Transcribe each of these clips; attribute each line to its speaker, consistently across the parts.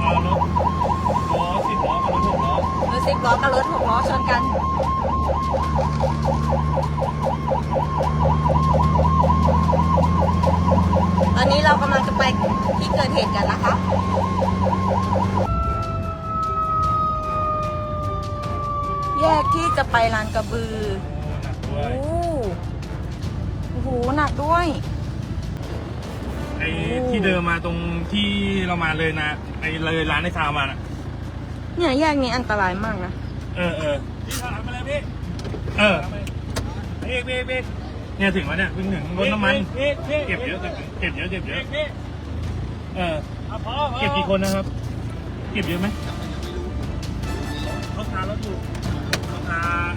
Speaker 1: รถ10 ล้อกับรถ6 ล้อชนกัน ตอนนี้เรากำลังจะไปที่เกิดเหตุกันนะคะ แยกที่จะไปลานกระบือโอ้โหหนักด้วย
Speaker 2: ไอ้ที่เดินมาตรงที่เรามาเลยนะไอ้เลยร้านในซาวมาน่ะ
Speaker 1: เนี่ยแยกนี้อันตรายมากนะ
Speaker 2: พี่ถามมาเลยพี่พี่เนี่ยถึงแล้วเนี่ยเพิ่งถึงรถน้ำมันเก็บเยอะเก็บกี่คนนะครับเก็บเยอะไหมรถอยู่รถ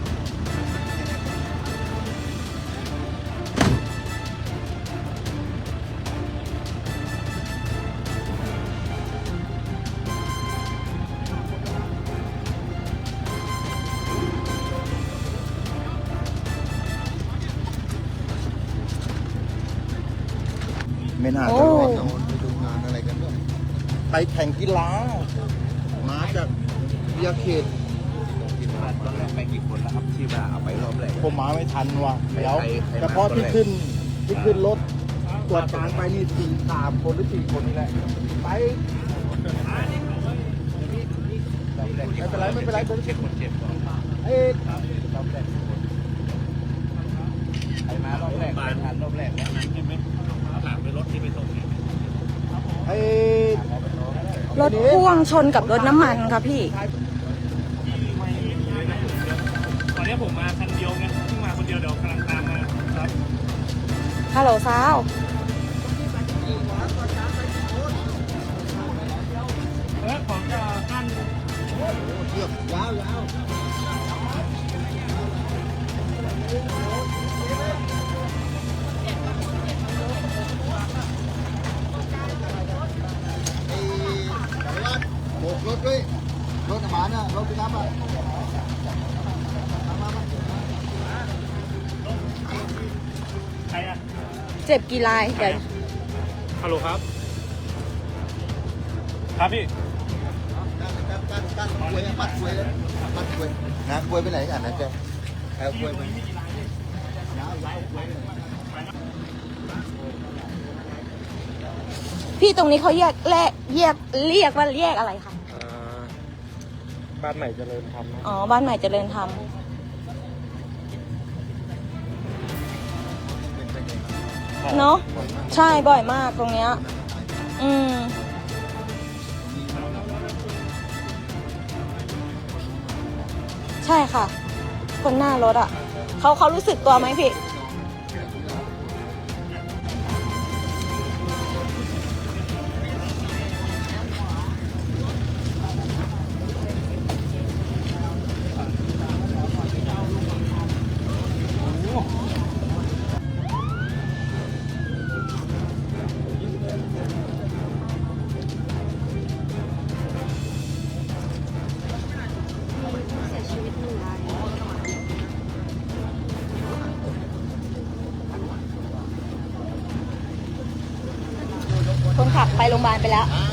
Speaker 3: ไม่น่าจะรอดนะไปดูงานอะไรกันด้วยไปแข่งกีฬามาจากเบียร์เขต
Speaker 4: ตอนแรกไปกี่คนแล้วครับที่ว่าเอาไปรอบแรก
Speaker 3: ผมมาไม่ทันว่ะเดี๋ยวเฉพาะที่ขึ้นรถตรวจการไปนี่3 คนหรือ 4 คนนี่แหละไปไม่เป็นไร
Speaker 4: คนเจ็บรอบแรกไปมารอบแรกไปทันรอบแรกแล้วนั้นใช่ไหมถามไปรถที่ไปส่งเนี่ย
Speaker 1: รถพ่วงชนกับรถน้ำมันค่ะพี่
Speaker 2: ตอนนี้ผมมาคันเดียวไงเพิ่งมาคนเดียวเดี๋ยวกำลังตามมาครับ
Speaker 1: ฮัลโหลสาว
Speaker 2: ของจะขั้น
Speaker 3: เชือกยาวโบกรถด้วยรถหมาเนี่ยรถพี่น้ำอ่ะ
Speaker 2: ใครอ่ะ
Speaker 1: เจ็บกี่รายเดี๋ยว
Speaker 2: ฮัลโหลครับครับพี่
Speaker 3: การกล้วยมัดกล้วยนะกล้วยไปไหนกันนะแกเอากล้วยไป
Speaker 1: พี่ตรงนี้เขาเรียกว่าแยกอะไรคะ
Speaker 2: บ้านใหม่เจริญธรรม
Speaker 1: อ๋อบ้านใหม่เจริญธรรมเนาะใช่บ่อยมากตรงเนี้ยใช่ค่ะคนหน้ารถอ่ะเขารู้สึกตัวไหมพี่คนขับไปโรงพยาบาลไปแล้ว